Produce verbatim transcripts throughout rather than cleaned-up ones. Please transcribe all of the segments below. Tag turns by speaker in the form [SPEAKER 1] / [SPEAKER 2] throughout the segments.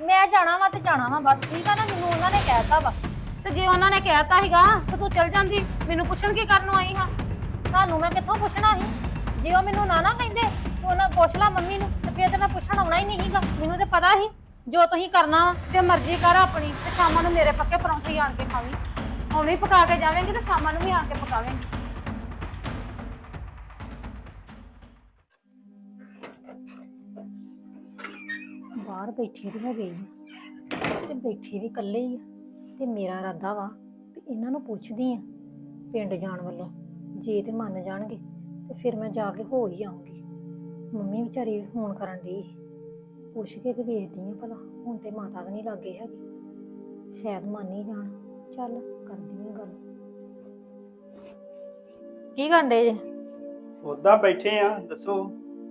[SPEAKER 1] ਮੈਂ ਜਾਣਾ ਵਾ ਤੇ ਜਾਣਾ ਵਾ ਬਸ ਠੀਕ ਆ ਨਾ। ਮੈਨੂੰ ਉਹਨਾਂ ਨੇ ਕਹਿਤਾ ਵਾ।
[SPEAKER 2] ਤੇ ਜੇ ਉਹਨਾਂ ਨੇ ਕਹਿਤਾ ਸੀਗਾ ਤੇ ਤੂੰ ਚਲ ਜਾਂਦੀ। ਮੈਨੂੰ ਪੁੱਛਣ ਕੀ ਕਰਨ ਆਈ ਹਾਂ?
[SPEAKER 1] ਤੁਹਾਨੂੰ ਮੈਂ ਕਿੱਥੋਂ ਪੁੱਛਣਾ ਸੀ? ਜੇ ਉਹ ਮੈਨੂੰ ਨਾ ਨਾ ਕਹਿੰਦੇ ਤੂੰ ਉਹਨਾਂ ਪੁੱਛ ਲਾ ਮੰਮੀ ਨੂੰ ਤੇ ਫਿਰ ਤੇ ਮੈਂ ਪੁੱਛਣ ਆਉਣਾ ਹੀ ਨਹੀਂ ਸੀਗਾ। ਮੈਨੂੰ ਤੇ ਪਤਾ ਸੀ ਜੋ ਤੁਸੀਂ ਕਰਨਾ ਵਾ।
[SPEAKER 2] ਤੇ ਮਰਜ਼ੀ ਕਰ ਆਪਣੀ ਤੇ ਸ਼ਾਮਾਂ ਨੂੰ ਮੇਰੇ ਪੱਕੇ ਪਰੌਂਠੇ ਆਣ ਕੇ ਖਾਵੀਂ। ਹੁਣ ਹੀ ਪਕਾ ਕੇ ਜਾਵੇਂਗੀ ਤੇ ਸ਼ਾਮਾਂ ਨੂੰ ਵੀ ਆਣ ਕੇ ਪਕਾਵੇਂਗੀ।
[SPEAKER 1] ਬਾਹਰ ਬੈਠੇ ਵੀ ਹੈਗੇ ਤੇ ਬੈਠੇ ਵੀ ਇਕੱਲੇ ਹੀ ਆ ਤੇ ਮੇਰਾ ਇਰਾਦਾ ਵਾ ਵੀ ਇਹਨਾਂ ਨੂੰ ਪੁੱਛਦੀ ਆ ਪਿੰਡ ਜਾਣ ਵੱਲੋਂ। ਜੇ ਤੇ ਮੰਨ ਜਾਣਗੇ ਤੇ ਫਿਰ ਮੈਂ ਜਾ ਕੇ ਹੋ ਹੀ ਆਉਂਗੀ। ਮੰਮੀ ਵਿਚਾਰੀ ਫੋਨ ਕਰਨ ਡਈ ਪੁੱਛ ਕੇ ਤੇ ਵੇਖਦੀ ਆ ਭਲਾ। ਹੁਣ ਤੇ ਮਾਤਾ ਵੀ ਨਹੀਂ ਲੱਗੇ ਹੈਗੀ, ਸ਼ਾਇਦ ਮੰਨ ਹੀ ਜਾਣ। ਚੱਲ ਕਰਦੀ ਆ ਗੱਲ। ਕੀ ਕਰਦੇ ਜੇ?
[SPEAKER 3] ਉਦਾਂ ਬੈਠੇ ਆ, ਦੱਸੋ।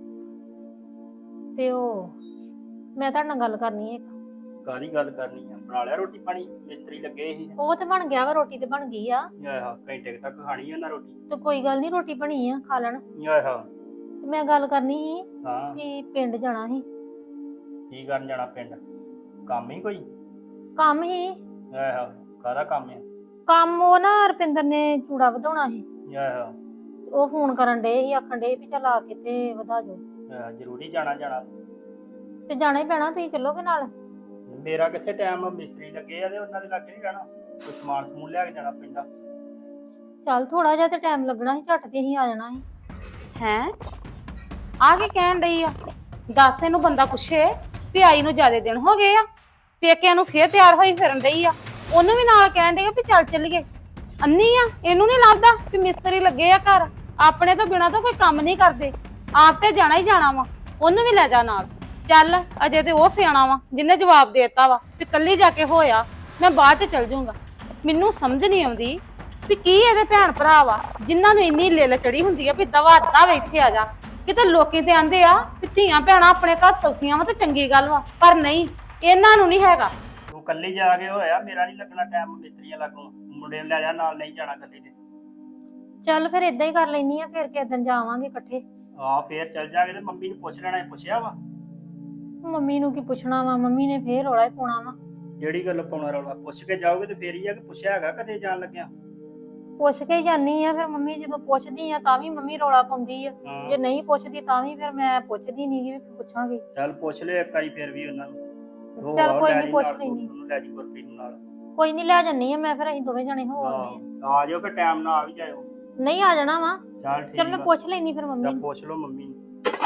[SPEAKER 1] ਤੇ ਉਹ ਮੈਂ ਤੁਹਾਡੇ ਨਾਲ ਗੱਲ ਕਰਨੀ ਹੈ ਇੱਕ।
[SPEAKER 3] ਕਾਹਦੀ ਗੱਲ ਕਰਨੀ ਆ? ਬਣਾ ਲਿਆ ਰੋਟੀ ਪਾਣੀ? ਮਿਸਤਰੀ ਲੱਗੇ ਸੀ।
[SPEAKER 1] ਉਹ ਤੇ ਬਣ ਗਿਆ ਵਾ, ਰੋਟੀ ਤੇ ਬਣ ਗਈ ਆ।
[SPEAKER 3] ਆਹਾ ਘੰਟੇ ਤੱਕ ਖਾਣੀ ਆ ਨਾ ਰੋਟੀ।
[SPEAKER 1] ਤੇ ਕੋਈ ਗੱਲ ਨਹੀਂ, ਰੋਟੀ ਬਣੀ ਆ, ਖਾ ਲੈਣ।
[SPEAKER 3] ਆਹਾ
[SPEAKER 1] ਤੇ ਮੈਂ ਗੱਲ ਕਰਨੀ ਸੀ
[SPEAKER 3] ਹਾਂ
[SPEAKER 1] ਕਿ ਪਿੰਡ ਜਾਣਾ ਸੀ।
[SPEAKER 3] ਕੀ ਕਰਨ ਜਾਣਾ ਪਿੰਡ? ਕੰਮ ਹੀ ਕੋਈ?
[SPEAKER 1] ਕੰਮ ਹੀ
[SPEAKER 3] ਆਹਾ ਕਾਹਦਾ ਕੰਮ ਆ?
[SPEAKER 1] ਕੰਮ ਉਹ ਨਾ ਰੁਪਿੰਦਰ ਨੇ ਚੂੜਾ ਵਧਾਉਣਾ ਸੀ।
[SPEAKER 3] ਆਹਾ
[SPEAKER 1] ਉਹ ਫੋਨ ਕਰਨ ਡੇ ਸੀ, ਆਖਣ ਡੇ ਵੀ ਚੱਲ ਆ ਕੇ ਤੇ ਵਧਾ ਜਾਓ।
[SPEAKER 3] ਆਹਾ ਜ਼ਰੂਰੀ ਜਾਣਾ ਜਾਣਾ
[SPEAKER 1] ਤੇ ਜਾਣਾ ਹੀ ਪੈਣਾ, ਤੁਸੀਂ ਚੱਲੋਗੇ ਨਾਲ?
[SPEAKER 3] ਮੇਰਾ ਕਿੱਥੇ ਟਾਈਮ? ਮਿਸਤਰੀ ਲੱਗੇ ਆ ਤੇ ਉਹਨਾਂ ਦੇ ਲੱਗੇ ਨਹੀਂ ਜਾਣਾ। ਕੋਈ ਸਮਾਨ ਸਮੂਨ ਲਿਆ ਕੇ ਜਾਣਾ ਪੈਂਦਾ।
[SPEAKER 1] ਚੱਲ ਥੋੜਾ ਜਿਹਾ ਤੇ ਟਾਈਮ ਲੱਗਣਾ ਸੀ, ਝੱਟ ਤੇ ਅਸੀਂ ਆ ਜਾਣਾ ਸੀ।
[SPEAKER 2] ਹੈਂ ਆ ਕੇ ਕਹਿਣ ਡਈ ਆ? ਦੱਸ ਇਹਨੂੰ ਬੰਦਾ ਪੁੱਛੇ ਵੀ ਆਈ ਨੂੰ ਜ਼ਿਆਦਾ ਦਿਨ ਹੋ ਗਏ ਆ, ਪੇਕਿਆਂ ਨੂੰ ਫੇਰ ਤਿਆਰ ਹੋਈ ਫਿਰਨ ਡਈ ਆ। ਉਹਨੂੰ ਵੀ ਨਾਲ ਕਹਿਣ ਡਈ ਆ ਵੀ ਚੱਲ ਚੱਲੀਏ। ਅੰਨੀ ਆ, ਇਹਨੂੰ ਨੀ ਲੱਗਦਾ ਵੀ ਮਿਸਤਰੀ ਲੱਗੇ ਆ ਘਰ, ਆਪਣੇ ਤੋਂ ਬਿਨਾਂ ਤਾਂ ਕੋਈ ਕੰਮ ਨਹੀਂ ਕਰਦੇ। ਆਪ ਤੇ ਜਾਣਾ ਹੀ ਜਾਣਾ ਵਾ, ਉਹਨੂੰ ਵੀ ਲੈ ਜਾ ਨਾਲ। ਚੱਲ ਅਜੇ ਤੇ ਉਹ ਸਿਆਣਾ ਵਾ ਜਿਹਨੇ ਜਵਾਬ ਦੇਤਾ ਵਾ ਵੀ ਕੱਲੀ ਜਾ ਕੇ ਹੋਇਆ, ਮੈਂ ਬਾਅਦ ਚ ਚੱਲ ਜਾਊਂਗਾ। ਮੈਨੂੰ ਸਮਝ ਨਹੀਂ ਆਉਂਦੀ ਵੀ ਕੀ ਇਹਦੇ ਭੈਣ ਭਰਾ ਵਾ ਜਿਨ੍ਹਾਂ ਨੂੰ ਇੰਨੀ ਲਿਲ ਚੜੀ ਹੁੰਦੀ ਆ ਵੀ ਦਵਾ ਦਵ ਇੱਥੇ ਆ ਜਾ। ਕਿਤੇ ਲੋਕੀ ਤੇ ਆਂਦੇ ਆ ਵੀ ਧੀਆਂ ਭੈਣਾਂ ਆਪਣੇ ਘਰ ਸੌਖੀਆਂ ਵਾ ਤੇ ਚੰਗੀ ਗੱਲ ਵਾ, ਪਰ ਨਹੀਂ, ਇਹਨਾਂ ਨੂੰ ਨਹੀਂ ਹੈਗਾ।
[SPEAKER 3] ਤੂੰ ਕੱਲੀ ਜਾ ਕੇ ਹੋਇਆ, ਮੇਰਾ ਨਹੀਂ ਲੱਗਣਾ ਟਾਈਮ ਮਿਸਤਰੀਆਂ ਲੱਗੋਂ। ਮੁੰਡੇ ਨੂੰ ਲੈ ਜਾ ਨਾਲ, ਨਹੀਂ ਜਾਣਾ ਕੱਲੀ ਤੇ।
[SPEAKER 1] ਚੱਲ ਫਿਰ ਏਦਾਂ ਹੀ ਕਰ ਲੈਣੀ ਆ, ਫਿਰ ਕਿਸੇ ਦਿਨ ਜਾਵਾਂਗੇ ਇਕੱਠੇ।
[SPEAKER 3] ਆ ਫੇਰ ਚੱਲ ਜਾਗੇ ਤੇ ਮੰਮੀ ਨੂੰ ਪੁੱਛ ਲੈਣਾ। ਪੁੱਛਿਆ ਵਾ?
[SPEAKER 1] ਮੰਮੀ ਨੂੰ ਕੀ ਪੁੱਛਣਾ ਵਾ, ਮੰਮੀ ਨੇ ਫੇਰ ਰੌਲਾ ਹੀ ਪਾਉਣਾ ਵਾ।
[SPEAKER 3] ਜਿਹੜੀ ਗੱਲ ਪਾਉਣਾ ਰੌਲਾ? ਪੁੱਛ ਕੇ ਜਾਓਗੇ ਤੇ ਫੇਰ ਹੀ ਆ ਕਿ ਪੁੱਛਿਆ ਹੈਗਾ ਕਦੇ ਜਾਣ ਲੱਗਿਆ?
[SPEAKER 1] ਪੁੱਛ ਕੇ ਹੀ ਜਾਨੀ ਆ। ਫਿਰ ਮੰਮੀ ਜਦੋਂ ਪੁੱਛਦੀ ਆ ਤਾਂ ਵੀ ਮੰਮੀ ਰੌਲਾ ਪਾਉਂਦੀ ਆ, ਜੇ ਨਹੀਂ ਪੁੱਛਦੀ ਤਾਂ ਵੀ ਫਿਰ ਮੈਂ ਪੁੱਛਦੀ ਨੀ ਗੀ, ਵੀ ਪੁੱਛਾਂਗੀ।
[SPEAKER 3] ਚੱਲ ਪੁੱਛ ਲਿਓ ਇੱਕ ਵਾਰੀ ਫੇਰ ਵੀ ਉਹਨਾਂ ਨੂੰ।
[SPEAKER 1] ਚੱਲ ਕੋਈ ਨੀ, ਪੁੱਛ ਲੈਣੀ।
[SPEAKER 3] ਲੈ ਜੀ ਗੁਰਪ੍ਰੀਤ ਨੂੰ ਨਾਲ।
[SPEAKER 1] ਕੋਈ ਨਹੀਂ ਲੈ ਜੰਨੀ ਆ ਮੈਂ, ਫਿਰ ਅਸੀਂ ਦੋਵੇਂ ਜਣੇ ਹੋ ਆਉਂਦੇ
[SPEAKER 3] ਆ ਆ ਜਾਓ ਫਿਰ, ਟਾਈਮ ਨਾਲ ਆ ਵੀ ਜਾਇਓ।
[SPEAKER 1] ਆ। ਨਹੀਂ ਆ ਜਾਣਾ ਵਾ।
[SPEAKER 3] ਚੱਲ ਠੀਕ
[SPEAKER 1] ਚੱਲ ਮੈਂ ਪੁੱਛ ਲੈਣੀ ਫਿਰ ਮੰਮੀ
[SPEAKER 3] ਚੱਲ
[SPEAKER 1] ਨੂੰ।
[SPEAKER 3] ਪੁੱਛ ਲਓ ਮੰਮੀ ਨੂੰ।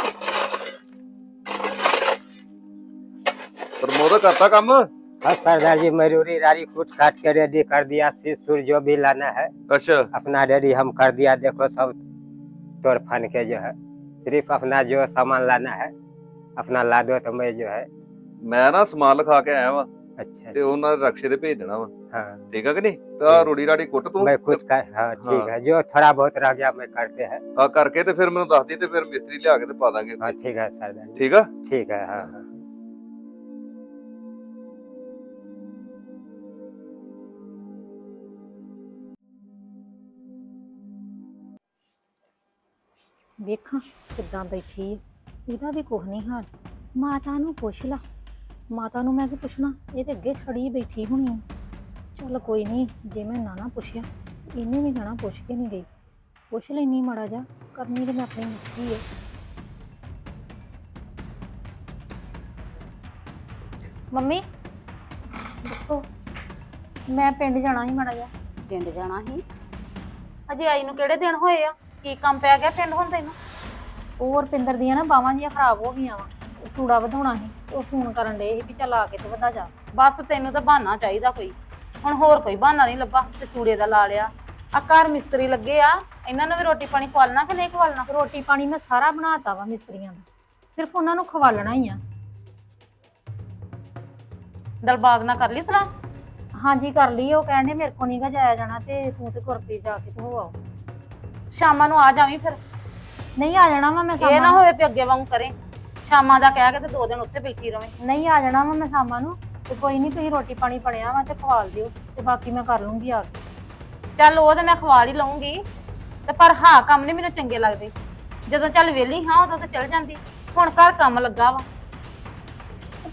[SPEAKER 4] प्रमोद करता काम?
[SPEAKER 5] हाँ सरदार जी, मयूरी रारी कूट काट के रेडी कर दिया, सिर जो भी लाना है
[SPEAKER 4] अच्छा
[SPEAKER 5] अपना रेडी हम कर दिया। देखो सब तोड़ फान के जो है, सिर्फ अपना जो सामान लाना है अपना ला दो तो मैं जो है।
[SPEAKER 4] मैं ना समान लिखा के आया वा
[SPEAKER 5] अच्छा
[SPEAKER 4] ते ਉਹਨਾਂ ਦੇ ਰਕਸ਼ੇ ਤੇ ਭੇਜ ਦੇਣਾ ਵਾ।
[SPEAKER 5] हाँ
[SPEAKER 4] ਠੀਕ ਹੈ ਕਿ ਨਹੀਂ? ਤਾਂ ਰੋੜੀ ਰਾੜੀ ਕੁੱਟ ਤੂੰ
[SPEAKER 5] मैं खुद कर। हाँ ठीक है, जो थोड़ा बहुत रह गया मैं करते हैं।
[SPEAKER 4] ਆ ਕਰਕੇ ਤੇ ਫਿਰ ਮੈਨੂੰ ਦੱਸ ਦੀ ਤੇ ਫਿਰ ਮਿਸਤਰੀ ਲਿਆ ਕੇ ਤੇ ਪਾ ਦਾਂਗੇ।
[SPEAKER 5] हाँ ठीक है सरदार जी,
[SPEAKER 4] ਠੀਕ ਆ?
[SPEAKER 5] ठीक है। हाँ हाँ
[SPEAKER 1] ਵੇਖਾਂ ਕਿੱਦਾਂ ਬੈਠੀ ਆ, ਇਹਦਾ ਵੀ ਕੁਝ ਨਹੀਂ ਹਾਲ। ਮਾਤਾ ਨੂੰ ਪੁੱਛ ਲਾ। ਮਾਤਾ ਨੂੰ ਮੈਂ ਕੀ ਪੁੱਛਣਾ, ਇਹ ਤੇ ਅੱਗੇ ਛੜੀ ਬੈਠੀ ਹੋਣੀ ਆ। ਚੱਲ ਕੋਈ ਨਹੀਂ, ਜੇ ਮੈਂ ਨਾ ਨਾ ਪੁੱਛਿਆ ਇਹਨੇ ਵੀ ਜਾਣਾ, ਪੁੱਛ ਕੇ ਨਹੀਂ ਗਈ। ਪੁੱਛ ਲੈਣੀ ਮਾੜਾ ਜਾ, ਕਰਨੀ ਤੇ ਮੈਂ ਆਪਣੀ ਮੁੱਠੀ ਆ। ਮੰਮੀ ਦੱਸੋ, ਮੈਂ ਪਿੰਡ ਜਾਣਾ ਸੀ ਮਾੜਾ ਜਾ।
[SPEAKER 2] ਪਿੰਡ ਜਾਣਾ ਸੀ? ਅਜੇ ਆਈ ਨੂੰ ਕਿਹੜੇ ਦਿਨ ਹੋਏ ਆ? ਕੀ ਕੰਮ ਪੈ ਗਿਆ ਪਿੰਡ ਹੁਣ ਤੈਨੂੰ?
[SPEAKER 1] ਉਹ ਰੁਪਿੰਦਰ ਦੀਆਂ ਨਾ ਬਾਹਾਂ ਜੀਆਂ ਖਰਾਬ ਹੋ ਗਈਆਂ ਵਾ, ਚੂੜਾ ਵਧਾਉਣਾ ਸੀ। ਉਹ ਫੋਨ ਕਰਨ ਡੇ ਸੀ ਵੀ ਚੱਲ ਆ ਕੇ ਤੇ ਵਧਾ ਜਾ।
[SPEAKER 2] ਬਸ ਤੈਨੂੰ ਤਾਂ ਬਹਾਨਾ ਚਾਹੀਦਾ ਕੋਈ, ਹੁਣ ਹੋਰ ਕੋਈ ਬਹਾਨਾ ਨਹੀਂ ਲੱਭਾ ਤੇ ਚੂੜੇ ਦਾ ਲਾ ਲਿਆ। ਆ ਘਰ ਮਿਸਤਰੀ ਲੱਗੇ ਆ, ਇਹਨਾਂ ਨੂੰ ਵੀ ਰੋਟੀ ਪਾਣੀ ਖਵਾਲਣਾ ਕਿ ਨਹੀਂ ਖਵਾਲਣਾ?
[SPEAKER 1] ਰੋਟੀ ਪਾਣੀ ਮੈਂ ਸਾਰਾ ਬਣਾਤਾ ਵਾ ਮਿਸਤਰੀਆਂ ਦਾ, ਸਿਰਫ ਉਹਨਾਂ ਨੂੰ ਖਵਾਲਣਾ ਹੀ ਆ।
[SPEAKER 2] ਦਲਬਾਗ ਨਾਲ ਕਰ ਲਈ ਸਲਾਹ?
[SPEAKER 1] ਹਾਂਜੀ ਕਰ ਲਈ। ਉਹ ਕਹਿੰਦੇ ਮੇਰੇ ਕੋ ਨੀ ਗਾ ਜਾਇਆ ਜਾਣਾ ਤੇ ਤੂੰ ਤੇ ਗੁਰਪ੍ਰੀਤ ਜਾ ਕੇ ਤੇ ਹੋ ਆਓ।
[SPEAKER 2] ਸ਼ਾਮਾਂ ਨੂੰ ਆ ਜਾਵੀਂ ਫਿਰ।
[SPEAKER 1] ਨਹੀਂ ਆ ਜਾਣਾ ਵਾ ਮੈਂ
[SPEAKER 2] ਇਹ ਨਾ ਹੋਵੇ ਵੀ ਅੱਗੇ ਵਾਂਗੂ ਕਰੇ, ਸ਼ਾਮਾਂ ਦਾ ਕਹਿ ਕੇ ਤੇ ਦੋ ਦਿਨ ਉੱਥੇ ਬੈਠੀ ਰਵੇਂ।
[SPEAKER 1] ਨਹੀਂ ਆ ਜਾਣਾ ਵਾ ਮੈਂ ਸ਼ਾਮਾਂ ਨੂੰ। ਤੇ ਕੋਈ ਨਹੀਂ, ਤੁਸੀਂ ਰੋਟੀ ਪਾਣੀ ਬਣਿਆ ਵਾ ਤੇ ਖਵਾਲ ਦਿਓ, ਤੇ ਬਾਕੀ ਮੈਂ ਕਰ ਲੂੰਗੀ ਆ ਕੇ।
[SPEAKER 2] ਚੱਲ ਉਹ ਤੇ ਮੈਂ ਖਵਾਲ ਹੀ ਲਊਂਗੀ, ਤੇ ਪਰ ਹਾਂ ਕੰਮ ਨਹੀਂ ਮੈਨੂੰ ਚੰਗੇ ਲੱਗਦੇ। ਜਦੋਂ ਚੱਲ ਵਿਹਲੀ ਹਾਂ ਉਦੋਂ ਤੇ ਚੱਲ ਜਾਂਦੀ, ਹੁਣ ਘਰ ਕੰਮ ਲੱਗਾ ਵਾ।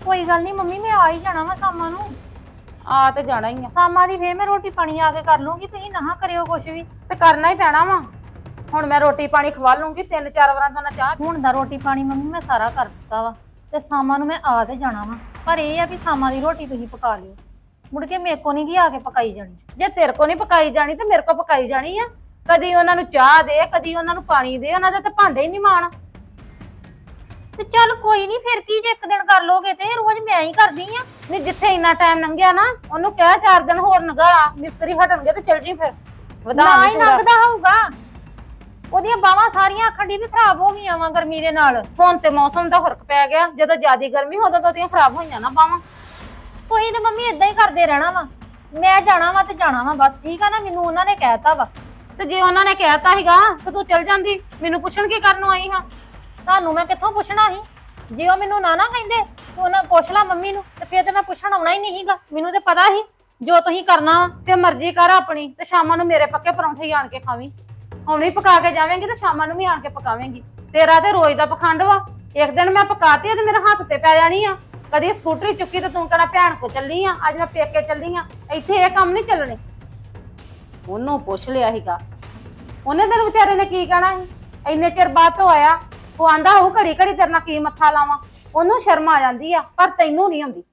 [SPEAKER 1] ਕੋਈ ਗੱਲ ਨਹੀਂ ਮੰਮੀ, ਮੈਂ ਆ ਹੀ ਜਾਣਾ ਵਾ ਸ਼ਾਮਾਂ ਨੂੰ।
[SPEAKER 2] ਆ ਤੇ ਜਾਣਾ ਹੀ ਆ
[SPEAKER 1] ਸ਼ਾਮਾਂ ਦੀ ਫੇਰ ਮੈਂ ਰੋਟੀ ਪਾਣੀ ਆ ਕੇ ਕਰ ਲੂੰਗੀ, ਤੁਸੀਂ ਨਾ ਕਰਿਓ ਕੁਛ ਵੀ।
[SPEAKER 2] ਤੇ ਕਰਨਾ ਹੀ ਪੈਣਾ ਵਾ। ਹੁਣ ਮੈਂ ਰੋਟੀ ਪਾਣੀ ਖਵਾ ਲੂੰਗੀ, ਤਿੰਨ ਚਾਰ ਵਾਰਾਂ ਤੋਂ ਨਾ ਚਾਹ।
[SPEAKER 1] ਹੁਣ ਦਾ ਰੋਟੀ ਪਾਣੀ ਮੰਮੀ ਮੈਂ ਸਾਰਾ ਕਰ ਦਿੱਤਾ ਵਾ, ਤੇ ਸ਼ਾਮਾਂ ਨੂੰ ਮੈਂ ਆ ਤੇ ਜਾਣਾ ਵਾ। ਪਰ ਇਹ ਆ ਵੀ ਸ਼ਾਮਾਂ ਦੀ ਰੋਟੀ ਤੁਸੀਂ ਪਕਾ ਲਿਓ, ਮੁੜ ਕੇ ਮੇਰੇ ਕੋ ਨਹੀਂ ਕੀ ਆ ਕੇ ਪਕਾਈ ਜਾਣੀ।
[SPEAKER 2] ਜੇ ਤੇਰੇ ਕੋ ਨਹੀਂ ਪਕਾਈ ਜਾਣੀ ਤੇ ਮੇਰੇ ਕੋ ਪਕਾਈ ਜਾਣੀ ਆ। ਕਦੀ ਉਹਨਾਂ ਨੂੰ ਚਾਹ ਦੇ, ਕਦੀ ਉਹਨਾਂ ਨੂੰ ਪਾਣੀ ਦੇ, ਉਹਨਾਂ ਦੇ ਤਾਂ ਭਾਂਡੇ ਹੀ ਨਹੀਂ ਮਾਣ।
[SPEAKER 1] ਤੇ ਚੱਲ ਕੋਈ ਨਹੀਂ, ਫਿਰ ਕੀ ਜੇ ਇੱਕ ਦਿਨ ਕਰ ਲੋਗੇ ਤੇ ਰੋਜ਼ ਮੈਂ ਹੀ ਕਰਦੀ ਆ।
[SPEAKER 2] ਨਹੀਂ ਜਿੱਥੇ ਇੰਨਾ ਟਾਈਮ ਲੰਘਿਆ ਨਾ, ਉਹਨੂੰ ਕਹਿ ਚਾਰ ਦਿਨ ਹੋਰ ਨਗਾਲਾ, ਮਿਸਤਰੀ ਹਟਣਗੇ ਤੇ ਚਲ ਜੀ ਫਿਰ। ਵਧਾ
[SPEAKER 1] ਨਾ
[SPEAKER 2] ਨਹੀਂ
[SPEAKER 1] ਹੀ
[SPEAKER 2] ਪੂਰਾ।
[SPEAKER 1] ਲੰਘਦਾ ਹੋਊਗਾ, ਉਹਦੀਆਂ ਬਾਹਾਂ ਸਾਰੀਆਂ ਆਖਣ ਦੀ ਵੀ ਖਰਾਬ ਹੋ ਗਈਆਂ ਵਾ ਗਰਮੀ ਦੇ ਨਾਲ।
[SPEAKER 2] ਹੁਣ ਤੇ ਮੌਸਮ ਦਾ ਫਰਕ ਪੈ ਗਿਆ, ਜਦੋਂ ਜ਼ਿਆਦੀ ਗਰਮੀ ਉਦੋਂ ਤਾਂ ਉਹਦੀਆਂ ਖਰਾਬ ਹੋਈਆਂ ਨਾ ਬਾਵਾਂ।
[SPEAKER 1] ਤੁਸੀਂ ਤੇ ਮੰਮੀ ਇਦਾਂ ਹੀ ਕਰਦੇ ਰਹਿਣਾ ਵਾ। ਮੈਂ ਜਾਣਾ ਵਾ ਤੇ ਜਾਣਾ ਵਾ ਬਸ, ਠੀਕ ਆ ਨਾ। ਮੈਨੂੰ ਉਹਨਾਂ ਨੇ ਕਹਿਤਾ ਵਾ।
[SPEAKER 2] ਤੇ ਜੇ ਉਹਨਾਂ ਨੇ ਕਹਿਤਾ ਸੀਗਾ ਤੇ ਤੂੰ ਚਲ ਜਾਂਦੀ, ਮੈਨੂੰ ਪੁੱਛਣ ਕੀ ਕਰਨ ਨੂੰ ਆਈ ਹਾਂ?
[SPEAKER 1] ਤੁਹਾਨੂੰ ਮੈਂ ਕਿੱਥੋਂ ਪੁੱਛਣਾ ਸੀ? ਜੇ ਉਹ ਮੈਨੂੰ ਨਾ ਨਾ ਕਹਿੰਦੇ ਤੇ ਉਹਨਾਂ ਪੁੱਛ ਲਾ ਮੰਮੀ ਨੂੰ, ਤੇ ਫਿਰ ਤੇ ਮੈਂ ਪੁੱਛਣ ਆਉਣਾ ਹੀ ਨਹੀਂ ਸੀਗਾ। ਮੈਨੂੰ ਤੇ ਪਤਾ ਸੀ ਜੋ ਤੁਸੀਂ ਕਰਨਾ ਵਾ।
[SPEAKER 2] ਤੇ ਮਰਜ਼ੀ ਕਰ ਆਪਣੀ, ਤੇ ਸ਼ਾਮਾਂ ਨੂੰ ਮੇਰੇ ਪੱਕੇ ਪਰੌਂਠੇ ਹੀ ਆਣ ਕੇ ਖਾਵੀਂ। ਹੁਣੇ ਹੀ ਪਕਾ ਕੇ ਜਾਵੇਂਗੀ ਤੇ ਸ਼ਾਮਾਂ ਨੂੰ ਵੀ ਆਣ ਕੇ ਪਕਾਵੇਂਗੀ। ਤੇਰਾ ਤੇ ਰੋਜ਼ ਦਾ ਪਖੰਡ ਵਾ। ਇੱਕ ਦਿਨ ਮੈਂ ਪਕਾਤੀ ਤੇ ਮੇਰੇ ਹੱਥ ਤੇ ਪੈ ਜਾਣੀ ਆ। ਕਦੀ ਸਕੂਟਰੀ ਚੁੱਕੀ ਤੇ ਤੂੰ ਕਹਿਣਾ ਭੈਣ ਕੋ ਚੱਲੀ ਆ, ਅੱਜ ਮੈਂ ਪੇਕੇ ਚੱਲੀ ਆ। ਇੱਥੇ ਇਹ ਕੰਮ ਨਹੀਂ ਚੱਲਣੇ। ਉਹਨੂੰ ਪੁੱਛ ਲਿਆ ਸੀਗਾ, ਉਹਨੇ ਤੈਨੂੰ ਵਿਚਾਰੇ ਨੇ ਕੀ ਕਹਿਣਾ ਸੀ? ਇੰਨੇ ਚਿਰ ਬਾਅਦ ਤੋਂ ਆਇਆ, ਉਹ ਆਂਦਾ ਹੋਊ ਘੜੀ ਘੜੀ ਤੇਰੇ ਨਾਲ ਕੀ ਮੱਥਾ ਲਾਵਾਂ। ਉਹਨੂੰ ਸ਼ਰਮ ਆ ਜਾਂਦੀ ਆ, ਪਰ ਤੈਨੂੰ ਨਹੀਂ ਆਉਂਦੀ।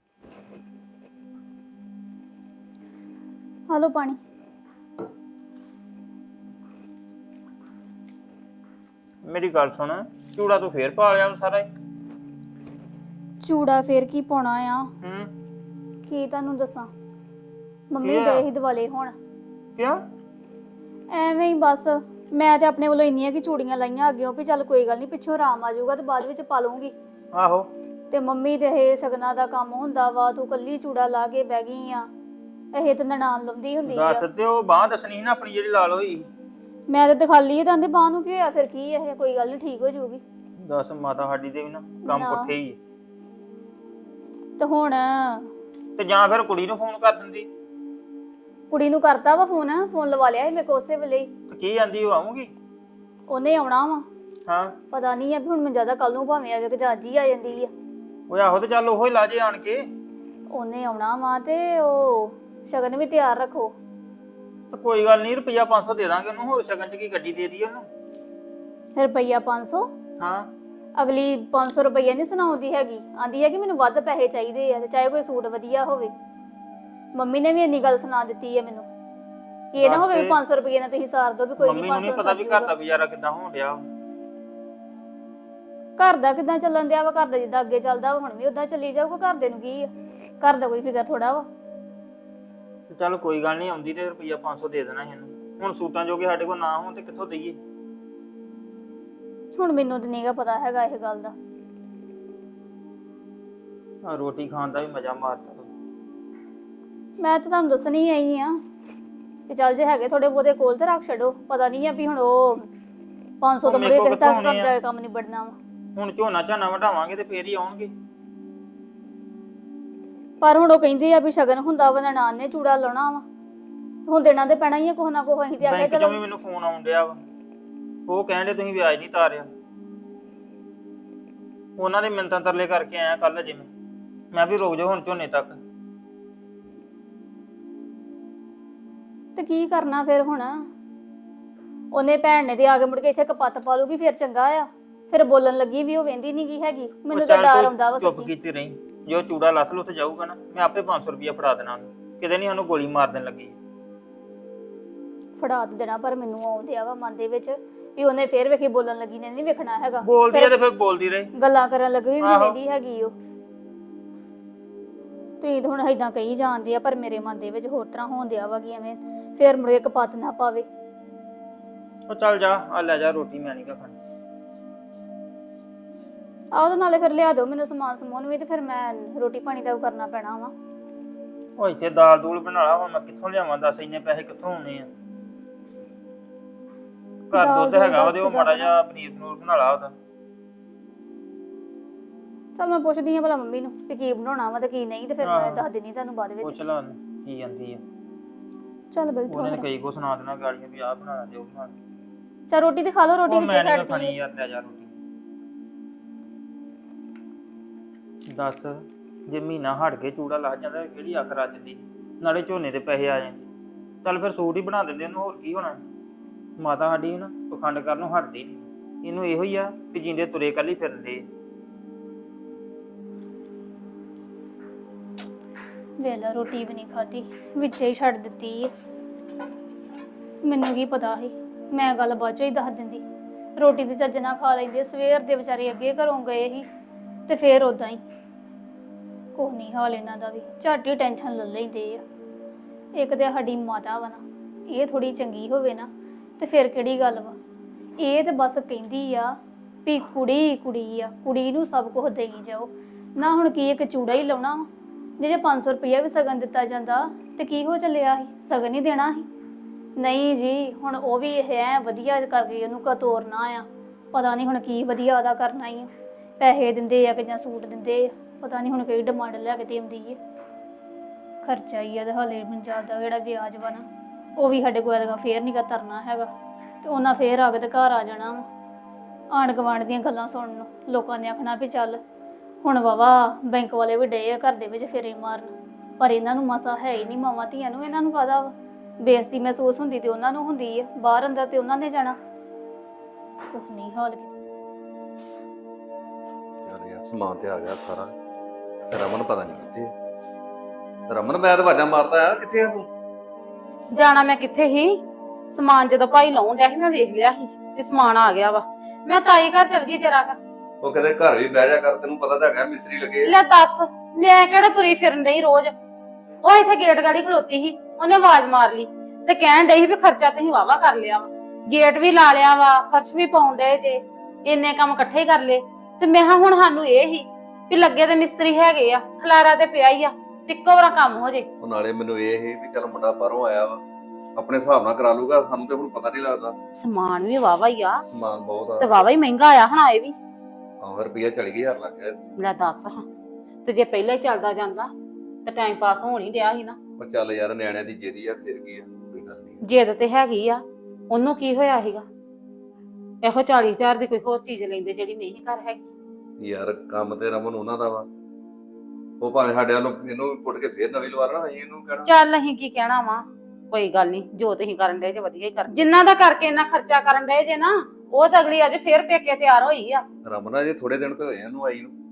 [SPEAKER 6] ਹਲੋ ਪਾਣੀ।
[SPEAKER 7] ਮੇਰੀ ਗੱਲ ਸੁਣ, ਚੂੜਾ ਤੂੰ ਫੇਰ ਪਾ ਲਿਆ ਸਾਰਾ ਹੀ।
[SPEAKER 6] ਚੂੜਾ ਫੇਰ ਕੀ ਪਾਉਣਾ ਆ?
[SPEAKER 7] ਹੂੰ
[SPEAKER 6] ਕੀ ਤੁਹਾਨੂੰ ਦੱਸਾਂ, ਮੰਮੀ
[SPEAKER 7] ਕੀ ਆ?
[SPEAKER 6] ਦੇ ਹੀ ਦਿਵਾਲੇ ਹੁਣ।
[SPEAKER 7] ਕਿਉਂ?
[SPEAKER 6] ਐਵੇਂ ਹੀ ਬਸ। ਮੈਂ ਤੇ ਆਪਣੇ ਵੱਲੋਂ ਇੰਨੀਆਂ ਕਿ ਚੂੜੀਆਂ ਲਾਈਆਂ ਅੱਗਿਓਂ ਵੀ ਚੱਲ ਕੋਈ ਗੱਲ ਨਹੀਂ, ਪਿੱਛੋਂ ਆਰਾਮ ਆ ਜਾਊਗਾ ਤੇ ਬਾਅਦ ਵਿੱਚ ਪਾ ਲੂੰਗੀ।
[SPEAKER 7] ਆਹੋ।
[SPEAKER 6] ਤੇ ਮੰਮੀ ਦੇ ਇਹ ਸ਼ਗਨਾਂ ਦਾ ਕੰਮ ਹੁੰਦਾ ਵਾ, ਤੂੰ ਕੱਲੀ ਚੂੜਾ ਲਾ ਕੇ ਬਹਿ ਗਈ ਆ। ਇਹ ਤੇ ਨਨਾਣ ਲਾਉਂਦੀ ਹੁੰਦੀ ਆ।
[SPEAKER 7] ਦੱਸ ਤੇ ਉਹ ਬਾਂਹ ਦੱਸਣੀ ਸੀ ਨਾ ਆਪਣੀ ਜਿਹੜੀ ਲਾਲ ਹੋਈ।
[SPEAKER 6] ਮੈਂ ਤੇ ਦਿਖਾ ਲਈ ਤਾਂ ਆਂਦੇ ਬਾਹ ਨੂੰ ਕੀ ਹੋਇਆ, ਫਿਰ ਕੀ ਇਹ ਕੋਈ ਗੱਲ ਨਹੀਂ, ਠੀਕ ਹੋ ਜਾਊਗੀ।
[SPEAKER 7] ਦੱਸ ਮਾਤਾ ਸਾਡੀ ਦੇ ਵੀ ਨਾ ਕੰਮ
[SPEAKER 6] ਨਾ।
[SPEAKER 7] ਪੁੱਠੇ ਹੀ ਆ।
[SPEAKER 6] ਤੇ ਹੁਣ
[SPEAKER 7] ਤੇ ਜਾਂ ਫਿਰ ਕੁੜੀ ਨੂੰ ਫੋਨ ਕਰ ਦਿੰਦੀ।
[SPEAKER 6] ਕੁੜੀ ਨੂੰ ਕਰਤਾ ਵਾ ਫੋਨ, ਫੋਨ ਲਵਾ ਲਿਆ ਸੀ ਮੇਰੇ ਕੋਲ ਉਸੇ ਵੇਲੇ ਹੀ।
[SPEAKER 7] ਤੇ ਕੀ ਜਾਂਦੀ ਉਹ ਆਉਂਗੀ?
[SPEAKER 6] ਉਹਨੇ ਆਉਣਾ ਵਾ।
[SPEAKER 7] ਹਾਂ।
[SPEAKER 6] ਪਤਾ ਨਹੀਂ ਆ ਵੀ ਹੁਣ ਮੈਂ ਜ਼ਿਆਦਾ ਕੱਲ ਨੂੰ ਭਾਵੇਂ ਆਵੇ ਕਿ ਜਾਂ ਅੱਜ ਹੀ ਆ ਜਾਂਦੀ ਆ।
[SPEAKER 7] ਉਹ ਆਹੋ ਤੇ ਚੱਲ ਉਹੋ ਹੀ ਲਾ ਜੇ ਆਣ ਕੇ।
[SPEAKER 6] ਉਹਨੇ ਆਉਣਾ ਵਾ ਤੇ ਉਹ ਸ਼ਗਨ ਵੀ ਤਿਆਰ ਰੱਖੋ।
[SPEAKER 7] ਤੇ ਕੋਈ ਗੱਲ ਨਹੀਂ, ਰੁਪਈਆ ਪੰਜ ਸੌ ਦੇ ਦਾਂਗੇ ਉਹਨੂੰ। ਹੋਰ ਸ਼ਗਨ ਚ ਕੀ ਗੱਡੀ ਦੇ ਦੀ ਉਹਨੂੰ।
[SPEAKER 6] ਰੁਪਈਆ ਪੰਜ ਸੌ?
[SPEAKER 7] ਹਾਂ।
[SPEAKER 6] ਅਗਲੀ ਪੰਜ ਸੌ ਰੁਪਈਆ ਨਹੀਂ ਸੁਣਾਉਂਦੀ ਹੈਗੀ, ਆਂਦੀ ਹੈ ਕਿ ਮੈਨੂੰ ਵੱਧ ਪੈਸੇ ਚਾਹੀਦੇ ਆ, ਤੇ ਚਾਹੇ ਕੋਈ ਸੂਟ ਵਧੀਆ ਹੋਵੇ। ਮੰਮੀ ਨੇ ਵੀ ਇੰਨੀ ਗੱਲ ਸੁਣਾ ਦਿੱਤੀ ਹੈ ਮੈਨੂੰ, ਇਹ ਨਾ ਹੋਵੇ ਪੰਜ ਸੌ ਰੁਪਈਏ ਨਾਲ ਤੁਸੀਂ ਸਾਰ ਦੋ ਵੀ ਕੋਈ ਨਹੀਂ।
[SPEAKER 7] ਮੰਮੀ ਨੂੰ ਨਹੀਂ ਪਤਾ ਵੀ ਘਰ ਦਾ ਗੁਜ਼ਾਰਾ ਕਿੱਦਾਂ ਹੋਣ ਡਿਆ।
[SPEAKER 6] ਘਰ ਦਾ ਕਿੱਦਾਂ ਚੱਲਣ ਦਿਆ ਵਾ? ਘਰ ਦਾ ਜਿੱਦਾਂ ਅੱਗੇ ਚੱਲਦਾ ਵਾ ਹੁਣ ਵੀ ਉਦਾਂ ਚੱਲੀ ਜਾਊਗਾ। ਘਰ ਦੇ ਨੂੰ ਕੀ ਆ? ਘਰ ਦਾ ਕੋਈ ਫਿਕਰ ਥੋੜਾ ਵਾ।
[SPEAKER 7] ਤੇ ਚੱਲ ਕੋਈ ਗੱਲ ਨਹੀਂ, ਆਉਂਦੀ ਤੇ ਰੁਪਈਆ ਪੰਜ ਸੌ ਦੇ ਦੇਣਾ ਸੀ ਇਹਨੂੰ। ਹੁਣ ਸੂਟਾਂ ਜੋਗੇ ਸਾਡੇ ਕੋਲ ਨਾ ਹੋਣ ਤੇ ਕਿੱਥੋਂ ਦਈਏ?
[SPEAKER 6] ਹੁਣ ਮੈਨੂੰ ਤੇ ਨਹੀਂਗਾ ਪਤਾ ਹੈਗਾ ਇਹ ਗੱਲ ਦਾ।
[SPEAKER 7] ਆ ਰੋਟੀ ਖਾਣ ਦਾ ਵੀ ਮਜ਼ਾ ਮਾਰਦਾ।
[SPEAKER 6] ਮੈਂ ਤਾਂ ਤੁਹਾਨੂੰ ਦੱਸਣੀ ਆਈ ਆ ਕਿ ਚੱਲ ਜੇ ਹੈਗੇ ਥੋੜੇ ਬਹੁਤੇ ਕੋਲ ਤੇ ਰੱਖ ਛੱਡੋ। ਪਤਾ ਨਹੀਂ ਆ ਵੀ ਹੁਣ ਉਹ ਪੰਜ ਸੌ ਤੋਂ ਮੁੜੇ ਕਿਤੇ ਤੱਕ ਕੰਮ ਜਾ ਕੇ ਕੰਮ ਨਹੀਂ ਬੜਨਾ ਵਾ।
[SPEAKER 7] ਹੁਣ ਝੋਨਾ ਝਾਨਾ ਵਢਾਵਾਂਗੇ ਤੇ ਫੇਰ ਹੀ ਆਉਣਗੇ।
[SPEAKER 6] ਪਰ ਹੁਣ ਉਹ ਕਹਿੰਦੇ ਆ ਵੀ ਸ਼ਗਨ ਹੁੰਦਾ ਵਾ, ਨਨਾਣ ਨੇ ਚੂੜਾ ਲਾਉਣਾ ਵਾ, ਹੁਣ ਦੇਣਾ ਤੇ ਪੈਣਾ ਹੀ ਆ ਕੁਛ ਨਾ ਕੁਛ। ਅਸੀਂ ਤੇ ਆਖਿਆ
[SPEAKER 7] ਬੈਂਕ
[SPEAKER 6] ਚਲੋ।
[SPEAKER 7] ਚੋਂ ਵੀ ਮੈਨੂੰ ਫੋਨ ਆਉਣ ਡਿਆ ਵਾ, ਉਹ ਕਹਿੰਦੇ ਤੁਸੀਂ ਵਿਆਜ ਨਹੀਂ ਤਾਰਿਆ। ਉਹਨਾਂ ਦੇ ਮਿੰਤਾਂ ਤਰਲੇ ਕਰਕੇ ਆਇਆ ਕੱਲ ਅਜੇ ਮੈਂ ਮੈਂ ਵੀ ਰੁਕ ਜਾਓ ਹੁਣ ਝੋਨੇ ਤੱਕ।
[SPEAKER 6] ਤੇ ਕੀ ਕਰਨਾ ਫਿਰ ਹੁਣ? ਉਹਨੇ ਭੈਣ ਨੇ ਤੇ ਆ ਕੇ ਮੁੜ ਕੇ ਇੱਥੇ ਕਪੱਤ ਪਾ ਲੂਗੀ, ਫਿਰ ਚੰਗਾ ਆ। ਫਿਰ ਬੋਲਣ ਲੱਗੀ ਵੀ ਉਹ ਵੇਂਦੀ ਨਹੀਂ ਗਈ ਹੈਗੀ। ਮੈਨੂੰ ਤਾਂ ਡਰ ਆਉਂਦਾ ਵਾ
[SPEAKER 7] ਚੁੱਪ
[SPEAKER 6] ਸੱਚੀ।
[SPEAKER 7] ਕੀਤੀ ਰਹੀ। ਜੋ ਚੂੜਾ ਲੱਥ ਲੁੱਥ ਜਾਊਗਾ ਨਾ, ਮੈਂ ਆਪੇ ਪੰਜ ਸੌ ਰੁਪਇਆ ਫੜਾ ਦੇਣਾ ਉਹਨੂੰ। ਕਿਤੇ ਨਹੀਂ ਉਹਨੂੰ ਗੋਲੀ ਮਾਰ ਦੇਣ ਲੱਗੀ।
[SPEAKER 6] ਫੜਾ ਦੇਣਾ, ਪਰ ਮੈਨੂੰ ਆਉਂਦੇ ਆ ਵਾ ਮਨ ਦੇ ਵਿੱਚ ਵੀ ਉਹਨੇ ਫੇਰ ਵੇਖੀ ਬੋਲਣ ਲੱਗੀ ਨੇ ਨਹੀਂ ਵੇਖਣਾ ਹੈਗਾ।
[SPEAKER 7] ਬੋਲਦੀ ਆ ਤੇ ਫਿਰ ਬੋਲਦੀ ਰਹੇ,
[SPEAKER 6] ਗੱਲਾਂ ਕਰਨ ਲੱਗੀ ਵੀ
[SPEAKER 7] ਆਹੋ।
[SPEAKER 6] ਵੇਂਦੀ ਹੈਗੀ ਉਹ। ਤੁਸੀਂ ਤਾਂ ਹੁਣ ਏਦਾਂ ਕਹੀ ਜਾਂਦੇ ਆ, ਪਰ ਮੇਰੇ ਮਨ ਦੇ ਵਿੱਚ ਹੋਰ ਤਰ੍ਹਾਂ ਹੋਣ ਦਿਆ ਵਾ ਕਿ ਐਵੇਂ ਫੇਰ ਮੁੜ ਕੇ ਕਪੱਤ ਨਾ ਪਾਵੇ।
[SPEAKER 7] ਉਹ ਚੱਲ ਜਾ, ਆ ਲੈ ਜਾ ਰੋਟੀ, ਮੈਂ ਨਹੀਂ ਕਾ ਖਾਣੀ।
[SPEAKER 6] ਆਹ ਉਹਦੇ ਨਾਲੇ ਫਿਰ ਲਿਆ ਦਿਓ ਮੈਨੂੰ ਸਮਾਨ ਸਮੂਨ ਵੀ, ਤੇ ਫਿਰ ਮੈਂ ਰੋਟੀ ਪਾਣੀ ਦਾ ਉਹ ਕਰਨਾ ਪੈਣਾ ਵਾ।
[SPEAKER 7] ਉਹ ਇੱਥੇ ਦਾਲ ਦੂਲ ਬਣਾ ਲਾ, ਹੁਣ ਮੈਂ ਕਿੱਥੋਂ ਲਿਆਵਾਂ? ਦੱਸ ਇੰਨੇ ਪੈਸੇ ਕਿੱਥੋਂ ਆਉਣੇ ਆ? ਘਰ ਦੁੱਧ ਹੈਗਾ ਉਹਦੇ, ਉਹ ਮਾੜਾ ਜਿਹਾ ਪਨੀਰ ਪਨੂਰ ਬਣਾ ਲਾ ਉਹਦਾ।
[SPEAKER 6] ਚੱਲ ਮੈਂ ਪੁੱਛਦੀ ਆ ਭਲਾ ਮੰਮੀ ਨੂੰ ਵੀ ਕੀ ਬਣਾਉਣਾ ਵਾ ਤੇ ਕੀ ਨਹੀਂ, ਤੇ ਫਿਰ ਮੈਂ ਦੱਸ ਦਿੰਦੀ ਤੁਹਾਨੂੰ ਬਾਅਦ ਵਿੱਚ।
[SPEAKER 7] ਪੁੱਛ ਲਾ ਕੀ ਜਾਂਦੀ ਆ।
[SPEAKER 6] ਚੱਲ ਬੈਠੋ।
[SPEAKER 7] ਉਹਨੇ ਕਈ ਕੋ ਸੁਣਾ ਦੇਣਾ ਗਾਲੀਆਂ ਵੀ ਆਹ ਬਣਾਣਾ ਤੇ ਉਹ ਬਣਾਣਾ।
[SPEAKER 6] ਚੱਲ ਰੋਟੀ ਤੇ ਖਾ ਲਓ, ਰੋਟੀ
[SPEAKER 7] ਉਹ
[SPEAKER 6] ਵਿੱਚ
[SPEAKER 7] ਮੈਂ ਨਹੀਂ
[SPEAKER 6] ਛੱਡ
[SPEAKER 7] ਖਾਣੀ
[SPEAKER 6] ਦਿੱਤੀ।
[SPEAKER 7] ਯਾਰ, ਲੈ ਜਾ ਰੋਟੀ। ਦੱਸ ਜੇ ਮਹੀਨਾ ਹਟ ਕੇ ਚੂੜਾ ਲੱਗ ਜਾਂਦਾ ਕਿਹੜੀ ਅੱਖ ਰੱਜਦੀ, ਨਾਲੇ ਝੋਨੇ ਦੇ ਪੈਸੇ ਆ ਜਾਂਦੇ। ਚੱਲ ਫਿਰ ਸੂਟ ਹੀ ਬਣਾ ਦਿੰਦੇ ਉਹਨੂੰ, ਹੋਰ ਕੀ ਹੋਣਾ। ਮਾਤਾ ਸਾਡੀ ਨਾ ਪਖੰਡ ਕਰਨੋਂ ਹਟਦੀ ਨਹੀਂ, ਇਹਨੂੰ ਇਹੋ ਹੀ ਆ ਕਿ ਜਿੰਦੇ ਤੁਰੇ ਕੱਲ ਹੀ ਫਿਰਦੇ।
[SPEAKER 6] ਵੇਲਾ ਰੋਟੀ ਵੀ ਨਹੀਂ ਖਾਧੀ, ਵਿੱਚੇ ਹੀ ਛੱਡ ਦਿੱਤੀ ਹੈ। ਮੈਨੂੰ ਕੀ ਪਤਾ ਸੀ, ਮੈਂ ਗੱਲ ਬਾਅਦ ਚੋਂ ਹੀ ਦੱਸ ਦਿੰਦੀ। ਰੋਟੀ ਤੇ ਚੱਜ ਨਾਲ ਖਾ ਲੈਂਦੇ, ਸਵੇਰ ਦੇ ਵਿਚਾਰੇ ਅੱਗੇ ਘਰੋਂ ਗਏ ਸੀ ਤੇ ਫੇਰ ਉਦਾਂ ਹੀ। ਕੋਈ ਨਹੀਂ ਹਾਲ ਇਹਨਾਂ ਦਾ ਵੀ, ਝੱਟ ਹੀ ਟੈਨਸ਼ਨ ਲੈ ਲੈਂਦੇ ਆ। ਇੱਕ ਤੇ ਸਾਡੀ ਮਾਤਾ ਵਾ ਨਾ, ਇਹ ਥੋੜੀ ਚੰਗੀ ਹੋਵੇ ਨਾ ਤੇ ਫਿਰ ਕਿਹੜੀ ਗੱਲ ਵਾ। ਇਹ ਤੇ ਬਸ ਕਹਿੰਦੀ ਆ ਵੀ ਕੁੜੀ ਕੁੜੀ ਆ, ਕੁੜੀ ਨੂੰ ਸਭ ਕੁਝ ਦੇਈ ਜਾਓ ਨਾ। ਹੁਣ ਕੀ ਇੱਕ ਚੂੜਾ ਹੀ ਲਾਉਣਾ ਵਾ, ਜੇ ਪੰਜ ਸੌ ਰੁਪਇਆ ਵੀ ਸਗਨ ਦਿੱਤਾ ਜਾਂਦਾ ਤੇ ਕੀ ਹੋ ਚੱਲਿਆ ਸੀ, ਸਗਨ ਹੀ ਦੇਣਾ ਸੀ। ਨਹੀਂ ਜੀ, ਹੁਣ ਉਹ ਵੀ ਇਹ ਐ ਵਧੀਆ ਕਰਕੇ ਉਹਨੂੰ ਕਾ ਤੋਰਨਾ ਆ। ਪਤਾ ਨਹੀਂ ਹੁਣ ਕੀ ਵਧੀਆ ਉਹਦਾ ਕਰਨਾ ਹੀ ਆ। ਪੈਸੇ ਦਿੰਦੇ ਆ ਕਿ ਜਾਂ ਸੂਟ ਦਿੰਦੇ ਆ, ਪਤਾ ਨਹੀਂ ਹੁਣ ਕਿਹੜੀ ਡਿਮਾਂਡ ਲੈ ਕੇ ਦੇਂਦੀ ਹੈ। ਖਰਚਾ ਹੀ ਆ ਤੇ ਹਾਲੇ ਪੰਜਾਬ ਦਾ ਜਿਹੜਾ ਵਿਆਜ ਵਾ ਨਾ, ਉਹ ਵੀ ਸਾਡੇ ਕੋਲ ਦਾ ਫੇਰ ਨਹੀਂ ਗਾ ਤਰਨਾ ਹੈਗਾ। ਤੇ ਉਹਨਾਂ ਫੇਰ ਆ ਕੇ ਤੇ ਘਰ ਆ ਜਾਣਾ ਵਾ, ਆਂਢ ਗੁਆਂਢ ਦੀਆਂ ਗੱਲਾਂ ਸੁਣਨ ਨੂੰ। ਲੋਕਾਂ ਨੇ ਆਖਣਾ ਵੀ ਚੱਲ ਹੁਣ ਵਾਵਾ ਬੈਂਕ ਵਾਲੇ ਵੀ ਡੇ ਆ ਘਰ ਦੇ ਵਿੱਚ ਫੇਰੇ ਮਾਰਨ, ਪਰ ਇਹਨਾਂ ਨੂੰ ਮਸਾ ਹੈ ਹੀ ਨਹੀਂ। ਮਾਵਾਂ ਧੀਆਂ ਨੂੰ ਇਹਨਾਂ ਨੂੰ ਕਾਹਦਾ ਵਾ, ਬੇਇੱਜ਼ਤੀ ਮਹਿਸੂਸ ਹੁੰਦੀ ਤੇ ਉਹਨਾਂ ਨੂੰ ਹੁੰਦੀ ਆ, ਬਾਹਰ ਅੰਦਰ ਤੇ ਉਹਨਾਂ ਨੇ ਜਾਣਾ। ਕੁਛ ਨਹੀਂ ਹਾਲ
[SPEAKER 4] ਯਾਰ ਯਾਰ ਸਮਾਨ ਤੇ ਆ ਗਿਆ ਸਾਰਾ। ਤੇ ਰਮਨ ਪਤਾ ਨਹੀਂ ਕਿੱਥੇ ਹੈ। ਰਮਨ ਮੈਂ ਤਾਂ ਆਵਾਜ਼ਾਂ ਮਾਰਦਾ ਆ, ਕਿੱਥੇ ਆ ਤੂੰ?
[SPEAKER 2] ਜਾਣਾ ਮੈਂ ਕਿੱਥੇ ਹੀ, ਸਮਾਨ ਜਦੋਂ ਭਾਈ ਲਾਉਣ ਡਿਆ ਸੀ ਮੈਂ ਵੇਖ ਲਿਆ ਸੀ ਤੇ ਸਮਾਨ ਆ ਗਿਆ ਵਾ। ਮੈਂ ਤਾਈ ਘਰ ਚਲ ਗਈ ਜਰਾ ਕਰ।
[SPEAKER 4] ਉਹ ਕਹਿੰਦੇ ਘਰ ਵੀ ਬਹਿ ਜਾ ਕਰ, ਤੈਨੂੰ ਪਤਾ ਤਾਂ ਹੈਗਾ ਮਿਸਤਰੀ ਲੱਗੇ।
[SPEAKER 2] ਲੈ ਦੱਸ, ਮੈਂ ਕਿਹੜਾ ਤੁਰੀ ਫਿਰਨ ਡਈ ਰੋਜ਼। ਉਹ ਇੱਥੇ ਗੇਟ ਗਾੜੀ ਖਲੋਤੀ ਸੀ, ਉਹਨੇ ਆਵਾਜ਼ ਮਾਰ ਲਈ ਤੇ ਕਹਿਣ ਡਈ ਸੀ ਵੀ ਖਰਚਾ ਤੁਸੀਂ ਵਾਵਾ ਕਰ ਲਿਆ ਵਾ, ਗੇਟ ਵੀ ਲਾ ਲਿਆ ਵਾ, ਫਰਸ਼ ਵੀ ਪਾਉਣ ਡਏ ਜੇ, ਇੰਨੇ ਕੰਮ ਇਕੱਠੇ ਹੀ ਕਰ ਲਏ। ਤੇ ਮੈਂ ਕਿਹਾ ਹੁਣ ਸਾਨੂੰ ਇਹ ਹੀ ਵੀ ਲੱਗੇ ਤੇ ਮਿਸਤਰੀ ਹੈਗੇ ਆ, ਖਲਾਰਾ ਤੇ ਪਿਆ ਹੀ ਆ, ਤੇ ਇੱਕੋ ਵਾਰ ਕੰਮ ਹੋ ਜੇ।
[SPEAKER 4] ਉਹ ਨਾਲੇ ਮੈਨੂੰ ਇਹ ਸੀ ਵੀ ਚੱਲ ਮੁੰਡਾ ਬਾਹਰੋਂ ਆਇਆ ਵਾ, ਆਪਣੇ ਹਿਸਾਬ ਨਾਲ ਕਰਾ ਲੂਗਾ, ਸਾਨੂੰ ਤੇ ਹੁਣ ਪਤਾ ਨਹੀਂ ਲੱਗਦਾ।
[SPEAKER 2] ਸਮਾਨ ਵੀ ਵਾਵਾ ਹੀ ਆ
[SPEAKER 4] ਸਮਾਨ ਬਹੁਤ
[SPEAKER 2] ਤੇ
[SPEAKER 4] ਆ।
[SPEAKER 2] ਵਾਵਾ ਹੀ ਮਹਿੰਗਾ ਆਇਆ ਹੁਣ ਆਏ ਵੀ।
[SPEAKER 4] ਹਾਂ ਰੁਪਈਆ ਚਾਲੀ ਹਜ਼ਾਰ ਲੱਗ ਗਿਆ।
[SPEAKER 2] ਲੈ ਦੱਸ ਹਾਂ, ਤੇ ਜੇ ਪਹਿਲਾਂ ਹੀ ਚੱਲਦਾ ਜਾਂਦਾ ਤੇ ਟਾਈਮ ਪਾਸ ਹੋਣ ਹੀ ਡਿਆ ਸੀ ਨਾ।
[SPEAKER 4] ਪਰ ਚੱਲ ਯਾਰ ਨਿਆਣਿਆਂ ਦੀ ਜਿੱਦੀ ਆ, ਫਿਰ ਕੀ ਆ, ਕੋਈ ਗੱਲ ਨਹੀਂ।
[SPEAKER 2] ਜਿੱਦ ਤੇ ਹੈਗੀ ਆ, ਉਹਨੂੰ ਕੀ ਹੋਇਆ ਸੀਗਾ, ਇਹੋ ਚਾਲੀ ਹਜ਼ਾਰ ਦੀ ਕੋਈ ਹੋਰ ਚੀਜ਼ ਲੈਂਦੇ ਜਿਹੜੀ ਨਹੀਂ ਘਰ ਹੈਗੀ।
[SPEAKER 4] ਯਾਰ ਕੰਮ ਤੇ ਰਮਨ ਉਹਨਾਂ ਦਾ ਵਾ, ਉਹ ਭਾਵੇਂ ਸਾਡੇ ਵੱਲੋਂ ਇਹਨੂੰ ਵੀ ਪੁੱਟ ਕੇ ਫੇਰ ਨਵੀਂ ਲਵਾ ਲੈਣਾ, ਅਸੀਂ ਇਹਨੂੰ ਕਹਿਣਾ।
[SPEAKER 2] ਚੱਲ ਅਸੀਂ ਕੀ ਕਹਿਣਾ ਵਾ, ਕੋਈ ਗੱਲ ਨਹੀਂ, ਜੋ ਤੁਸੀਂ ਕਰਨ ਡਏ ਜੇ ਵਧੀਆ ਹੀ ਕਰ। ਜਿੰਨਾ ਦਾ ਕਰਕੇ ਇੰਨਾ ਖਰਚਾ ਕਰਨ ਡਏ ਜੇ ਨਾ, ਉਹ ਤਾਂ ਅਗਲੀ ਅੱਜ ਫੇਰ ਪੇਕੇ ਤਿਆਰ ਹੋਈ ਆ।
[SPEAKER 4] ਰਮਨ ਜੇ ਥੋੜੇ ਦਿਨ ਤੋਂ ਹੋਏ ਇਹਨੂੰ ਆਈ ਨੂੰ।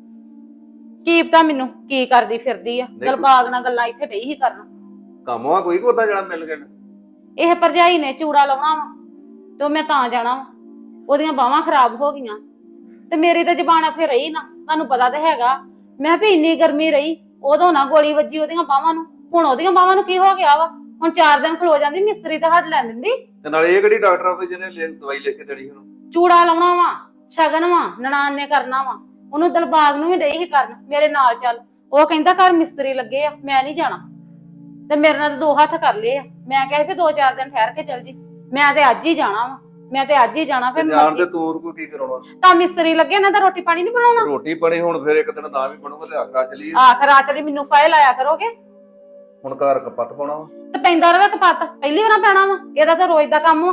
[SPEAKER 2] ਕੀ ਪਤਾ ਮੈਨੂੰ ਕੀ ਕਰਦੀ ਫਿਰਦੀ ਆ, ਦਿਲਬਾਗ ਨਾਲ ਗੱਲਾਂ ਇੱਥੇ ਡਈ ਹੀ ਕਰਨ।
[SPEAKER 4] ਕੰਮ ਆ ਕੋਈ ਕੋਦਾ ਜਿਹੜਾ ਮਿਲ ਗਿਆ।
[SPEAKER 2] ਇਹ ਭਰਜਾਈ ਨੇ ਚੂੜਾ ਲਾਉਣਾ ਵਾ ਤੇ ਮੈਂ ਤਾਂ ਜਾਣਾ ਵਾ, ਉਹਦੀਆਂ ਬਾਹਾਂ ਖਰਾਬ ਹੋ ਗਈਆਂ ਤੇ ਮੇਰੀ ਤਾਂ ਜ਼ਬਾਨ ਫੇਰ ਰਹੀ ਨਾ। ਤੁਹਾਨੂੰ ਪਤਾ ਤਾਂ ਹੈਗਾ, ਮੈਂ ਵੀ ਇੰਨੀ ਗਰਮੀ ਰਹੀ, ਉਦੋਂ ਨਾ ਗੋਲੀ ਵੱਜੀ ਉਹਦੀਆਂ ਬਾਹਾਂ ਨੂੰ, ਹੁਣ ਉਹਦੀਆਂ ਬਾਹਾਂ ਨੂੰ ਕੀ ਹੋ ਗਿਆ ਵਾ। ਹੁਣ ਚਾਰ ਦਿਨ ਖਲੋ ਜਾਂਦੀ, ਮਿਸਤਰੀ ਤਾਂ ਹੱਡ ਲੈ ਦਿੰਦੀ।
[SPEAKER 4] ਤੇ ਨਾਲੇ ਇਹ ਕਿਹੜੀ ਡਾਕਟਰ ਆ ਜਿਹਨੇ ਦਵਾਈ ਲਿਖ ਕੇ ਦੇਣੀ ਉਹਨੂੰ?
[SPEAKER 2] ਚੂੜਾ ਲਾਉਣਾ ਵਾ, ਸ਼ਗਨ ਵਾ, ਨਨਾਣ ਨੇ ਕਰਨਾ ਵਾ, ਉਹਨੂੰ ਦਿਲਬਾਗ ਨੂੰ ਵੀ ਡਈ ਹੀ ਕਰਨ ਮੇਰੇ ਨਾਲ ਚੱਲ। ਉਹ ਕਹਿੰਦਾ ਘਰ ਮਿਸਤਰੀ ਲੱਗੇ ਆ, ਮੈਂ ਨਹੀਂ ਜਾਣਾ। ਤੇ ਮੇਰੇ ਨਾਲ ਤਾਂ ਦੋ ਹੱਥ ਕਰ ਲਏ ਆ। ਮੈਂ ਕਿਹਾ ਵੀ ਦੋ ਚਾਰ ਦਿਨ ਠਹਿਰ ਕੇ ਚੱਲ ਜੀ, ਮੈਂ ਤੇ ਅੱਜ ਹੀ ਜਾਣਾ ਵਾ, ਮੈਂ ਤੇ ਅੱਜ ਹੀ ਜਾਣਾ। ਫਿਰ
[SPEAKER 4] ਜਾਣ ਤੇ ਤੂੰ ਉਹਨੂੰ ਕੀ ਕਰਾਉਣਾ?
[SPEAKER 2] ਤਾਂ ਮਿਸਤਰੀ ਲੱਗੇ, ਇਹਨਾਂ ਦਾ ਰੋਟੀ ਪਾਣੀ ਨਹੀਂ ਬਣਾਉਣਾ।
[SPEAKER 4] ਰੋਟੀ ਬਣੀ ਹੁਣ ਫਿਰ ਇੱਕ ਦਿਨ ਨਾ ਵੀ ਬਣੂਗਾ ਤੇ ਆਖਰਾ ਚਲੀ।
[SPEAKER 2] ਆਖਰ ਆ ਚਲੀ ਮੈਨੂੰ ਫਾਇਲ ਆਇਆ ਕਰੋਗੇ।
[SPEAKER 4] ਹੁਣ ਘਰ ਕਪੱਤ ਪਾਉਣਾ ਵਾ
[SPEAKER 2] ਤੇ ਪੈਂਦਾ ਰਵੇ ਕਪੱਤ, ਪਹਿਲੀ ਵਾਰ ਪੈਣਾ ਵਾ, ਇਹਦਾ ਤਾਂ ਰੋਜ਼ ਦਾ ਕੰਮ ਵਾ।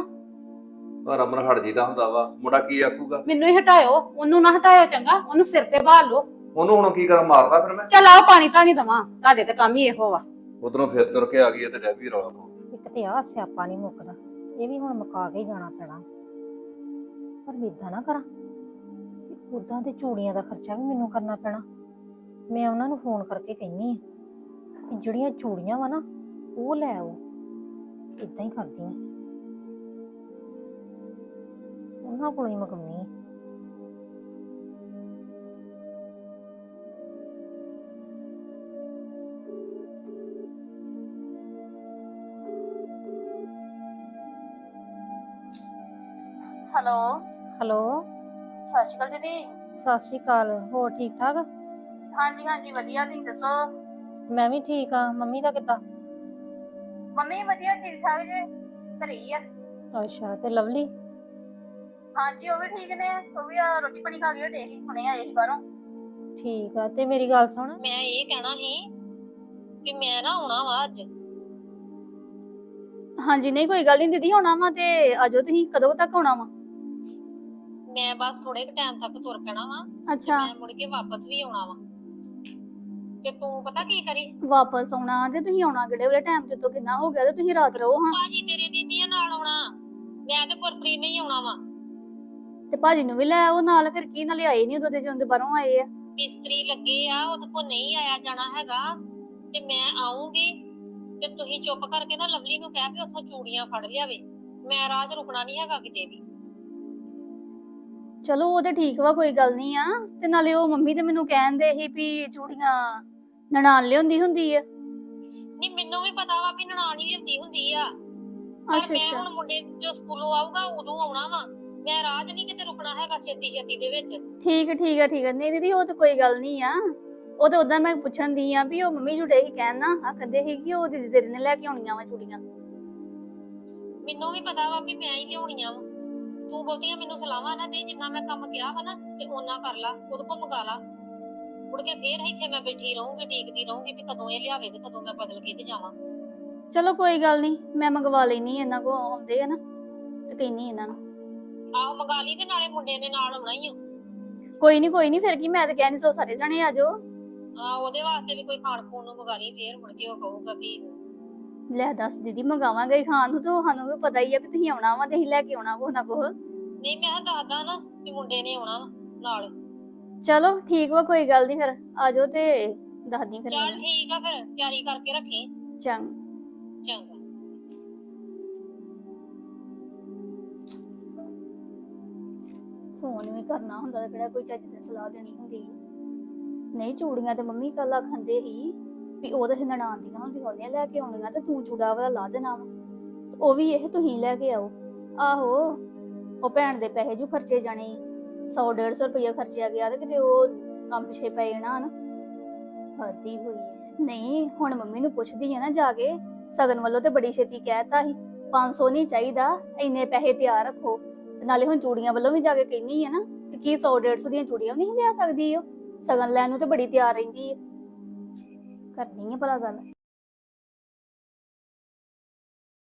[SPEAKER 4] ਪਰ ਰਮਨ ਹਟ ਜੀਦਾ ਹੁੰਦਾ ਵਾ, ਮੁੰਡਾ ਕੀ ਆਖੂਗਾ?
[SPEAKER 2] ਮੈਨੂੰ ਹੀ ਹਟਾਇਓ, ਉਹਨੂੰ ਨਾ ਹਟਾਇਓ ਚੰਗਾ, ਉਹਨੂੰ ਸਿਰ ਤੇ ਬਹਾਲ ਲਓ।
[SPEAKER 4] ਉਹਨੂੰ ਹੁਣ ਕੀ ਕਰਾਂ, ਮਾਰਦਾ ਫਿਰ ਮੈਂ?
[SPEAKER 2] ਚੱਲ ਆਓ ਪਾਣੀ ਤਾਂ ਨਹੀਂ ਦਵਾਂ, ਤੁਹਾਡੇ ਤੇ ਕੰਮ ਹੀ ਇਹੋ ਵਾ।
[SPEAKER 4] ਉਧਰੋਂ ਫਿਰ ਤੁਰ ਕੇ ਆ ਗਈ ਤੇ ਡੈਬੀ ਰੌਲਾ ਪਾਉ।
[SPEAKER 1] ਇੱਕ ਤੇ ਆਹ ਸਿਆਪਾ ਨਹੀਂ ਮੁੱਕਦਾ, ਇਹ ਵੀ ਹੁਣ ਮੁਕਾ ਕੇ ਹੀ ਜਾਣਾ ਪੈਣਾ। ਪਰ ਏਦਾਂ ਨਾ ਕਰਾਂ, ਉਦਾਂ ਤੇ ਚੂੜੀਆਂ ਦਾ ਖਰਚਾ ਵੀ ਮੈਨੂੰ ਕਰਨਾ ਪੈਣਾ। ਮੈਂ ਉਹਨਾਂ ਨੂੰ ਫੋਨ ਕਰਕੇ ਕਹਿੰਨੀ ਆ ਕਿ ਜਿਹੜੀਆਂ ਚੂੜੀਆਂ ਵਾ ਨਾ ਉਹ ਲੈ ਆਓ। ਇਦਾਂ ਹੀ ਕਰਦੀ ਆ, ਉਹਨਾਂ ਕੋਲੋਂ ਹੀ ਮੰਗਵਾਉਣੀ ਆ।
[SPEAKER 6] ਹੈਲੋ
[SPEAKER 1] ਹੈਲੋ,
[SPEAKER 6] ਸਤਿ ਸ਼੍ਰੀ ਅਕਾਲ ਦੀਦੀ।
[SPEAKER 1] ਸਤਿ ਸ਼੍ਰੀ ਅਕਾਲ। ਹੋਰ ਠੀਕ ਠਾਕ?
[SPEAKER 6] ਹਾਂਜੀ ਹਾਂਜੀ ਵਧੀਆ, ਤੁਸੀਂ ਦੱਸੋ?
[SPEAKER 1] ਮੈਂ ਵੀ ਠੀਕ ਆ। ਮੰਮੀ ਦਾ ਕਿੱਦਾਂ?
[SPEAKER 6] ਮੰਮੀ ਵਧੀਆ, ਠੀਕ ਠਾਕ ਜੇ, ਘਰੇ ਹੀ ਆ।
[SPEAKER 1] ਅੱਛਾ, ਤੇ ਲਵਲੀ?
[SPEAKER 6] ਹਾਂਜੀ ਉਹ ਵੀ ਠੀਕ ਨੇ, ਉਹ ਵੀ ਆ ਰੋਟੀ ਪਾਣੀ ਖਾ ਕੇ ਹਟੇ ਸੀ, ਹੁਣੇ ਆਏ ਸੀ ਬਾਹਰੋਂ।
[SPEAKER 1] ਠੀਕ ਆ। ਤੇ ਮੇਰੀ ਗੱਲ ਸੁਣ,
[SPEAKER 8] ਮੈਂ ਇਹ ਕਹਿਣਾ ਸੀ ਕਿ ਮੈਂ ਨਾ ਆਉਣਾ ਵਾ ਅੱਜ।
[SPEAKER 6] ਹਾਂਜੀ ਨਹੀਂ ਕੋਈ ਗੱਲ ਨਹੀਂ ਦੀਦੀ, ਆਉਣਾ ਵਾ ਤੇ ਆਜੋ। ਤੁਸੀਂ ਕਦੋਂ ਤੱਕ ਆਉਣਾ ਵਾ?
[SPEAKER 8] ਮੈਂ ਬਸ ਥੋੜੇ ਕੁ ਟਾਈਮ ਤੱਕ ਤੁਰ ਪੈਣਾ ਵਾ,
[SPEAKER 6] ਅੱਛਾ
[SPEAKER 8] ਮੈਂ ਮੁੜ ਕੇ ਵਾਪਸ ਵੀ ਆਉਣਾ ਵਾ। ਤੇ ਤੂੰ ਪਤਾ ਕੀ ਕਰੀ,
[SPEAKER 6] ਵਾਪਸ ਆਉਣਾ ਤੇ ਤੁਸੀਂ ਆਉਣਾ ਕਿਹੜੇ ਵੇਲੇ ਟਾਈਮ ਤੇ ਤੋਂ ਕਿੰਨਾ ਹੋ ਗਿਆ ਤੇ ਤੁਸੀਂ ਰਾਤ ਰਹੋ ਹਾਂ।
[SPEAKER 8] ਭਾਜੀ ਤੇਰੇ ਨੇ ਨੀ ਨਾਲ ਆਉਣਾ, ਮੈਂ ਤੇ ਗੁਰਪ੍ਰੀਤ ਨੇ ਹੀ ਆਉਣਾ ਵਾ।
[SPEAKER 6] ਤੇ ਭਾਜੀ ਨੂੰ ਵੀ ਲੈ ਆਓ ਨਾਲ, ਫਿਰ ਕੀ ਨਾਲੇ ਆਏ ਨਹੀਂ ਉਦੋਂ ਤੇ ਜਦੋਂ ਬਾਹਰੋਂ ਆਏ ਆ।
[SPEAKER 8] ਮਿਸਤਰੀ ਲੱਗੇ ਆ, ਉਹਦੇ ਕੋਲ ਨਹੀਂ ਆਇਆ ਜਾਣਾ ਹੈਗਾ, ਤੇ ਮੈਂ ਆਉਂਗੀ ਤੇ ਤੁਸੀਂ ਚੁੱਪ ਕਰਕੇ ਨਾ ਲਵਲੀ ਨੂੰ ਕਹਿ ਵੀ ਉੱਥੋਂ ਚੂੜੀਆਂ ਫੜ ਲਿਆਵੇ। ਮੈਂ ਰਾਹ 'ਚ ਰੁਕਣਾ ਨਹੀਂ ਹੈਗਾ ਕਿਤੇ ਵੀ।
[SPEAKER 6] ਚਲੋ ਉਹ ਤੇ ਠੀਕ ਵਾ, ਕੋਈ ਗੱਲ ਨਹੀਂ ਆ। ਤੇ ਨਾਲੇ ਉਹ ਮੰਮੀ ਤੇ ਮੈਨੂੰ ਕਹਿੰਦੇ ਸੀ ਵੀ ਚੂੜੀਆਂ ਨਨਾਣ ਲਿਆਉਂਦੀ ਹੁੰਦੀ ਆ।
[SPEAKER 8] ਨਹੀਂ ਮੈਨੂੰ ਵੀ ਪਤਾ ਵਾ ਵੀ ਨਨਾਣ ਹੀ ਲਿਆਉਂਦੀ ਹੁੰਦੀ ਆ, ਪਰ
[SPEAKER 6] ਅੱਛਾ
[SPEAKER 8] ਮੈਂ
[SPEAKER 6] ਅੱਛਾ
[SPEAKER 8] ਹੁਣ ਮੁੰਡੇ ਜੋ ਸਕੂਲੋਂ ਆਊਗਾ ਉਦੋਂ ਆਉਣਾ ਵਾ। ਮੈਂ ਰਾਹ 'ਚ ਨਹੀਂ ਕਿਤੇ ਰੁਕਣਾ ਹੈਗਾ ਛੇਤੀ ਛੇਤੀ ਦੇ ਵਿੱਚ।
[SPEAKER 6] ਠੀਕ ਹੈ ਠੀਕ ਹੈ ਠੀਕ ਹੈ। ਨਹੀਂ ਦੀਦੀ ਉਹ ਤੇ ਕੋਈ ਗੱਲ ਨਹੀਂ ਆ। ਉਹ ਤੇ ਉਦਾਂ ਮੈਂ ਪੁੱਛਣ ਦੀ ਆ ਵੀ ਉਹ ਮੰਮੀ ਜੁੜੇ ਹੀ ਕਹਿਣ ਨਾ ਆਖਦੇ ਸੀ ਕਿ ਉਹ ਦੀਦੀ ਤੇਰੇ ਨੇ ਲੈ ਕੇ ਆਉਣੀਆਂ ਵਾ ਚੂੜੀਆਂ।
[SPEAKER 8] ਮੈਨੂੰ ਵੀ ਪਤਾ ਵਾ ਵੀ ਮੈਂ ਹੀ ਲਿਆਉਣੀਆਂ ਵਾ। ਤੂੰ ਬਹੁਤੀਆਂ ਮੈਨੂੰ ਸਲਾਹਾਂ ਨਾ ਦੇ, ਜਿੰਨਾ ਮੈਂ ਕੰਮ ਕਿਹਾ ਵਾ ਨਾ ਤੇ ਓਨਾ ਕਰ ਲਾ, ਉਹਦੇ ਕੋਲ ਮੰਗਾ ਲਾ। ਮੁੜ ਕੇ ਫੇਰ ਇੱਥੇ ਮੈਂ ਬੈਠੀ ਰਹੂੰਗੀ, ਡੀਕਦੀ ਰਹੂੰਗੀ ਵੀ ਕਦੋਂ ਇਹ ਲਿਆਵੇ ਤੇ ਕਦੋਂ ਮੈਂ ਬਦਲ ਕੇ ਤੇ ਜਾਵਾਂ।
[SPEAKER 6] ਚਲੋ ਕੋਈ ਗੱਲ ਨਹੀਂ, ਮੈਂ ਮੰਗਵਾ ਲੈਣੀ ਇਹਨਾਂ ਕੋ ਆਉਂਦੇ ਆ ਨਾ ਤੇ ਕਹਿੰਨੀ ਇਹਨਾਂ ਨੂੰ।
[SPEAKER 8] ਆਹੋ ਮੰਗਾ ਲਈ, ਤੇ ਨਾਲੇ ਮੁੰਡੇ ਨੇ ਨਾਲ ਆਉਣਾ ਹੀ ਆ।
[SPEAKER 6] ਕੋਈ ਨਹੀਂ ਕੋਈ ਨਹੀਂ, ਫਿਰ ਕੀ ਮੈਂ ਤਾਂ ਕਹਿੰਦੀ ਸੋ ਸਾਰੇ ਜਣੇ ਆ ਜਾਓ।
[SPEAKER 8] ਆਹ ਉਹਦੇ ਵਾਸਤੇ ਵੀ ਕੋਈ ਖਾਣ ਖੂਣ ਨੂੰ ਮੰਗਾ ਲਈ, ਫੇਰ ਮੁੜ ਕੇ ਉਹ ਕਹੂਗਾ ਵੀ
[SPEAKER 6] ਲੈ ਦੱਸ ਦੀਦੀ ਮੰਗਾਵਾਂਗੇ ਹੀ ਖਾਣ ਨੂੰ, ਤੇ ਉਹ ਸਾਨੂੰ ਵੀ ਪਤਾ ਹੀ ਆ ਵੀ ਤੁਸੀਂ ਆਉਣਾ ਵਾ ਤੇ ਅਸੀਂ ਲੈ ਕੇ ਆਉਣਾ ਕੁਛ ਨਾ ਕੁਛ।
[SPEAKER 8] ਨਹੀਂ। ਮੈਂ ਕਿਹਾ ਦੱਸਦਾ ਨਾ ਵੀ ਮੁੰਡੇ ਨੇ ਆਉਣਾ ਵਾ ਨਾਲ।
[SPEAKER 6] ਚਲੋ ਠੀਕ ਵਾ, ਕੋਈ ਗੱਲ ਨਹੀਂ, ਫਿਰ ਆ ਜਾਓ ਤੇ ਦੱਸਦੀ ਫਿਰ
[SPEAKER 8] ਚੱਲ
[SPEAKER 6] ਮੈਨੂੰ।
[SPEAKER 8] ਠੀਕ ਆ, ਫਿਰ ਤਿਆਰੀ ਕਰਕੇ ਰੱਖੀ।
[SPEAKER 6] ਚੰਗਾ।
[SPEAKER 8] ਚੰਗਾ।
[SPEAKER 6] ਫੋਨ ਵੀ ਕਰਨਾ ਹੁੰਦਾ ਤੇ ਕਿਹੜਾ ਕੋਈ ਚੱਜ ਦੀ ਸਲਾਹ ਦੇਣੀ ਹੁੰਦੀ। ਨਹੀਂ ਚੂੜੀਆਂ ਤੇ ਮੰਮੀ ਕੱਲ ਆਖੰਦੇ ਸੀ ਵੀ ਉਹ ਤਾਂ ਨਨਾਣ ਦੀਆਂ ਹੁੰਦੀਆਂ, ਉਹਨੇ ਲੈ ਕੇ ਆਉਣੀਆਂ ਤੇ ਤੂੰ ਚੂੜਾ ਵਾਲਾ ਲਾ ਦੇਣਾ ਵਾ, ਉਹ ਵੀ ਇਹ ਤੁਸੀਂ ਲੈ ਕੇ ਆਓ। ਆਹੋ ਉਹ ਭੈਣ ਦੇ ਪੈਸੇ ਜੂ ਖਰਚੇ ਜਾਣੇ, ਸੌ ਡੇਢ ਸੌ ਰੁਪਇਆ ਖਰਚਿਆ ਗਿਆ ਤੇ ਕਿਤੇ ਉਹ ਕੰਮ ਪਿਛੇ ਪੈ ਜਾਣਾ ਨਾ। ਹੱਦੀ ਹੋਈ। ਨਹੀਂ ਹੁਣ ਮੰਮੀ ਨੂੰ ਪੁੱਛਦੀ ਆ ਨਾ ਜਾ ਕੇ, ਸਗਨ ਵੱਲੋਂ ਤੇ ਬੜੀ ਛੇਤੀ ਕਹਿਤਾ ਸੀ ਪੰਜ ਸੌ ਨਹੀਂ ਚਾਹੀਦਾ, ਇੰਨੇ ਪੈਸੇ ਤਿਆਰ ਰੱਖੋ। ਤੇ ਨਾਲੇ ਹੁਣ ਚੂੜੀਆਂ ਵੱਲੋਂ ਵੀ ਜਾ ਕੇ ਕਹਿੰਦੀ ਆ ਨਾ ਕਿ ਕੀ ਸੌ ਡੇਢ ਸੌ ਦੀਆਂ ਚੂੜੀਆਂ ਵੀ ਨਹੀਂ ਲਿਆ ਸਕਦੀ, ਉਹ ਸਗਨ ਲੈਣ ਨੂੰ ਤੇ ਬੜੀ ਤਿਆਰ ਰਹਿੰਦੀ ਹੈ। ਕਰਨੀ ਹੈ ਭਲਾ ਗੱਲ।